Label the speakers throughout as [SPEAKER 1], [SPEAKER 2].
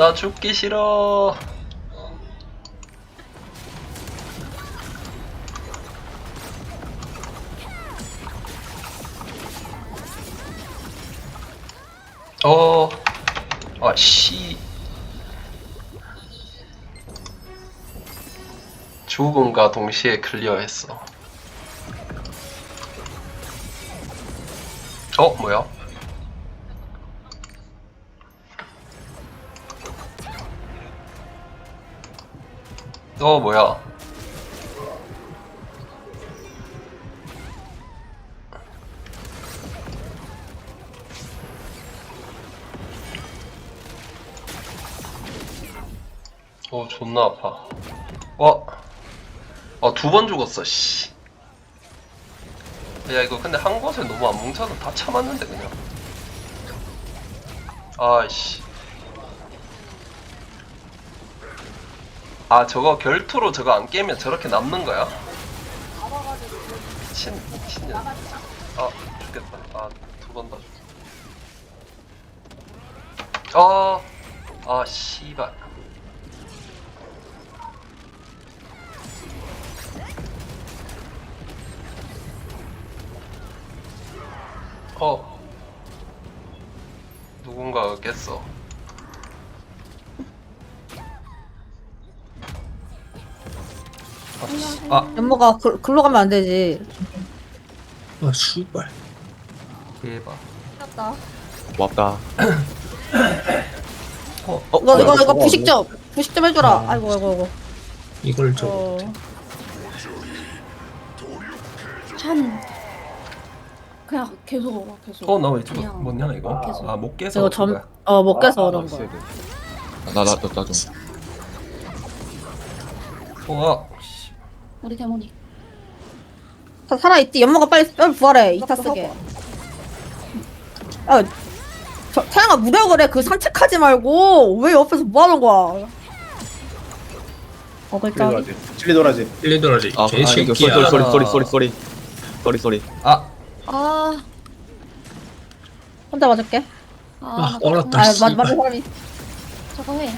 [SPEAKER 1] 나 죽기 싫어. 아씨. 죽음과 동시에 클리어했어. 뭐야? 뭐야? 존나 아파. 두 번 죽었어, 씨. 야, 이거 근데 한 곳에 너무 안 뭉쳐서 다 참았는데, 그냥. 아이씨. 저거 결투로 저거 안 깨면 저렇게 남는 거야? 미친년. 죽겠다. 두 번 더 죽겠다. 씨발. 누군가가 깼어.
[SPEAKER 2] 연모가 글로 가면 안 되지.
[SPEAKER 3] 아 씨발.
[SPEAKER 1] 대박.
[SPEAKER 2] 맞다.
[SPEAKER 4] 고맙다.
[SPEAKER 2] 이거 부식 좀 해줘라. 아이고.
[SPEAKER 3] 이걸 저
[SPEAKER 5] 참 그냥 계속 먹어 계속.
[SPEAKER 1] 나 왜 저거
[SPEAKER 5] 그냥
[SPEAKER 1] 뭐냐 이거?
[SPEAKER 5] 계속.
[SPEAKER 1] 못 깨서.
[SPEAKER 2] 이거 못 깨서 그런 거야.
[SPEAKER 4] 나 좀.
[SPEAKER 1] 씨.
[SPEAKER 5] 우리 대머리.
[SPEAKER 2] 살아있지. 연모가 빨리 부활해. 이타 쓰게. 태양아 무력을 해. 그 산책하지 말고 왜 옆에서 뭐 하는 거야? 어글자.
[SPEAKER 6] 찔리도라지.
[SPEAKER 3] 일리도라지
[SPEAKER 4] 이거
[SPEAKER 3] 개새끼야.
[SPEAKER 4] 쏘리.
[SPEAKER 2] 혼자 맞을게.
[SPEAKER 3] 아 얼었다.
[SPEAKER 2] 맞은
[SPEAKER 3] 씨발.
[SPEAKER 2] 사람이.
[SPEAKER 5] 저거 해.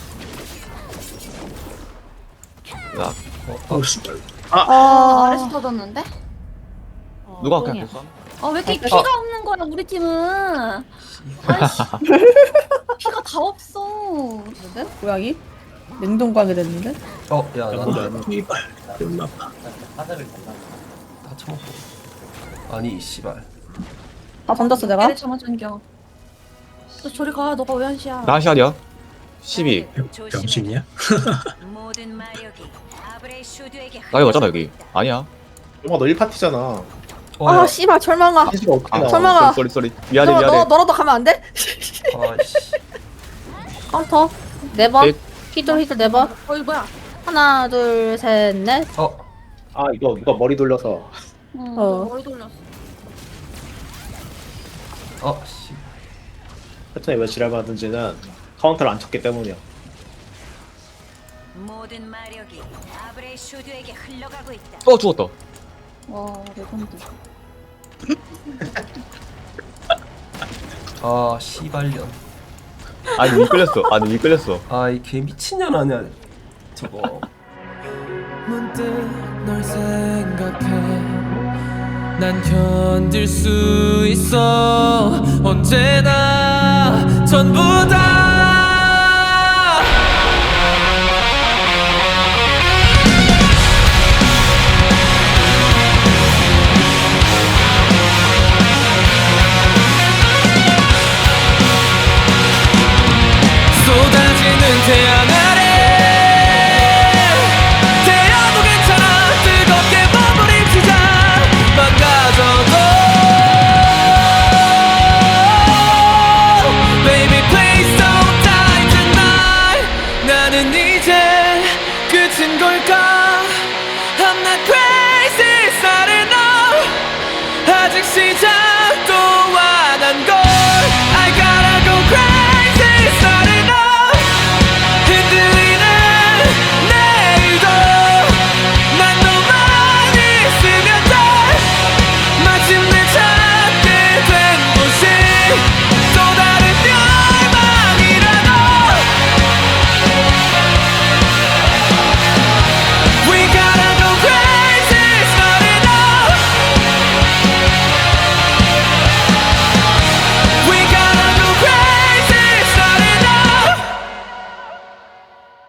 [SPEAKER 4] 야,
[SPEAKER 3] 씨발.
[SPEAKER 5] 아래서 터졌는데?
[SPEAKER 4] 누가
[SPEAKER 2] 똥이야.
[SPEAKER 4] 그냥
[SPEAKER 5] 왜 이렇게 피가 없는 거야 우리 팀은? 아이씨. 피가 다 없어.
[SPEAKER 2] 근데? 고양이? 냉동광이 됐는데?
[SPEAKER 1] 야, 나
[SPEAKER 3] 씨발. 존나 아파.
[SPEAKER 1] 다 처먹고. 아니, 씨발.
[SPEAKER 2] 다 던졌어 내가?
[SPEAKER 5] 내래 저만 전겨. 너 저리 가. 너가 왜 한시야?
[SPEAKER 4] 나 시간이야? 12.
[SPEAKER 3] 병신이야?
[SPEAKER 4] 나 여기 맞잖아 여기. 아니야.
[SPEAKER 6] 엄마 너 1파티잖아.
[SPEAKER 2] 씨발 철망아.
[SPEAKER 6] 희수가 어떻게 나와?
[SPEAKER 2] 설마.
[SPEAKER 4] 쏘리. 미안해.
[SPEAKER 2] 너라도 가면 안 돼?
[SPEAKER 1] 아이씨.
[SPEAKER 2] 카운터 4번.
[SPEAKER 4] 넷.
[SPEAKER 2] 히들 4번.
[SPEAKER 5] 이거 뭐야?
[SPEAKER 2] 하나 둘 셋 넷.
[SPEAKER 6] 이거 누가 머리 돌려서.
[SPEAKER 5] 너 머리 돌렸어.
[SPEAKER 1] 씨.
[SPEAKER 6] 패턴이 왜 지랄받는지는 카운터를 안 쳤기 때문이야.
[SPEAKER 7] 모든 마력이 아브레 슈드에게 흘러가고 있다.
[SPEAKER 4] 죽었다.
[SPEAKER 5] 와 레전드.
[SPEAKER 1] 씨발년.
[SPEAKER 4] 아니 위 끌렸어.
[SPEAKER 1] 이 개 미친년 아니야, 저거.
[SPEAKER 8] 문득 널 생각해 난 견딜 수 있어 언제나 전부 다